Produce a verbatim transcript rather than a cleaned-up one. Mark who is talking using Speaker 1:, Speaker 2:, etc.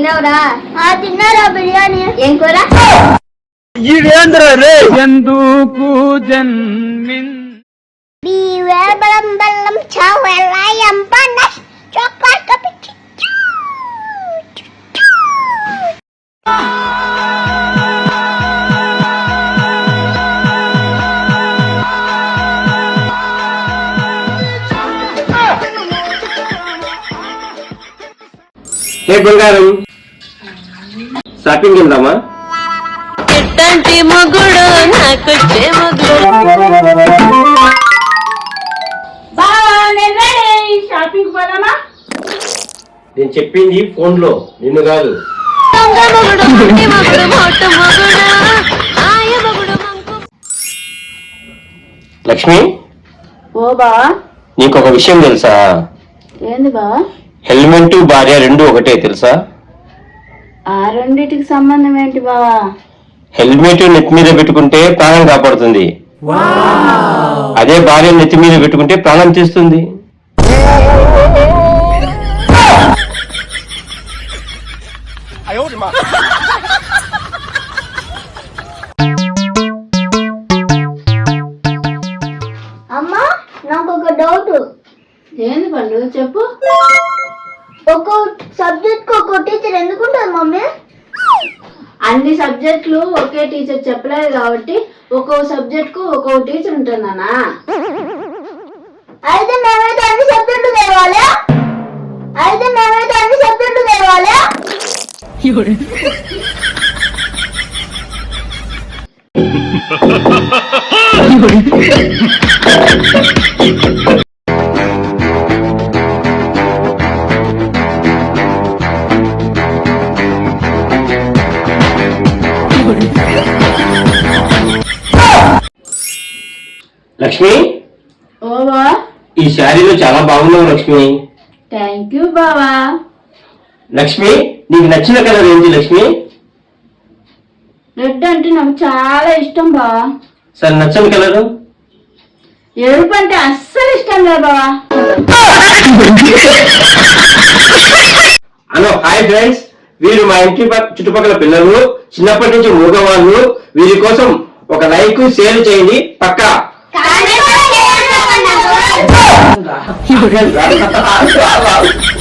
Speaker 1: తిన్నావురా? తిన్నారా బిర్యానీ? ఏం కూర?
Speaker 2: ఎందుకు జన్మిన్
Speaker 1: బెల్లం బెల్లం చావెల్లాయం పన్నస్ చాక్లెట్ కప్
Speaker 3: హే బంగారం, షాపింగ్ వెళ్దామా?
Speaker 4: ఎట్టంటి మొగుడు నాకొచ్చే మొగుడు.
Speaker 1: షాపింగ్ పోదామా?
Speaker 3: నేను చెప్పింది ఫోన్ లో, నిన్ను కాదు. లక్ష్మి,
Speaker 1: ఓ బా,
Speaker 3: నీకు ఒక విషయం తెలుసా?
Speaker 1: ఏంది బా?
Speaker 3: హెల్మెట్ భార్య రెండు ఒకటే తెలుసా?
Speaker 1: ఆ రెండిటికి సంబంధం ఏంటి బావా?
Speaker 3: హెల్మెట్ నెత్తి మీద పెట్టుకుంటే ప్రాణం కాపాడుతుంది, అదే భార్య నెత్తి మీద పెట్టుకుంటే ప్రాణం తీస్తుంది.
Speaker 1: అమ్మా, నాకు ఒక డౌట్. ఏంది పండు, చెప్పు. ఒక్కో సబ్జెక్ట్ కు ఒక్కో టీచర్ ఎందుకుంటారు మమ్మీ? అన్ని సబ్జెక్టులు ఒకే టీచర్ చెప్పలేదు కాబట్టి ఒక్కో సబ్జెక్ట్ కు ఒక్కో టీచర్ ఉంటుందన్నా. అయితే మేమైతే అన్ని సబ్జెక్టులు తెలవాలి అయితే మేమైతే అన్ని సబ్జెక్టులు తెలవాలి
Speaker 3: లక్ష్మి,
Speaker 1: ఓవా,
Speaker 3: ఈ శారీలో చాలా బాగున్నావు లక్ష్మి.
Speaker 1: థ్యాంక్ యూ బావా.
Speaker 3: లక్ష్మి, నీకు నచ్చిన కలర్ ఏంటి లక్ష్మి?
Speaker 1: రెడ్ అంటే నాకు చాలా ఇష్టం బావా.
Speaker 3: సరే, నచ్చని కలరు?
Speaker 1: ఎరుపు అంటే అస్సలు ఇష్టం లేదు బావా.
Speaker 3: హలో, హాయ్ ఫ్రెండ్స్, వీరు మా ఇంటి చుట్టుపక్కల పిల్లలు, చిన్నప్పటి నుంచి మూగవాళ్ళు. వీరి కోసం ఒక లైక్ షేర్ చేయండి పక్కా.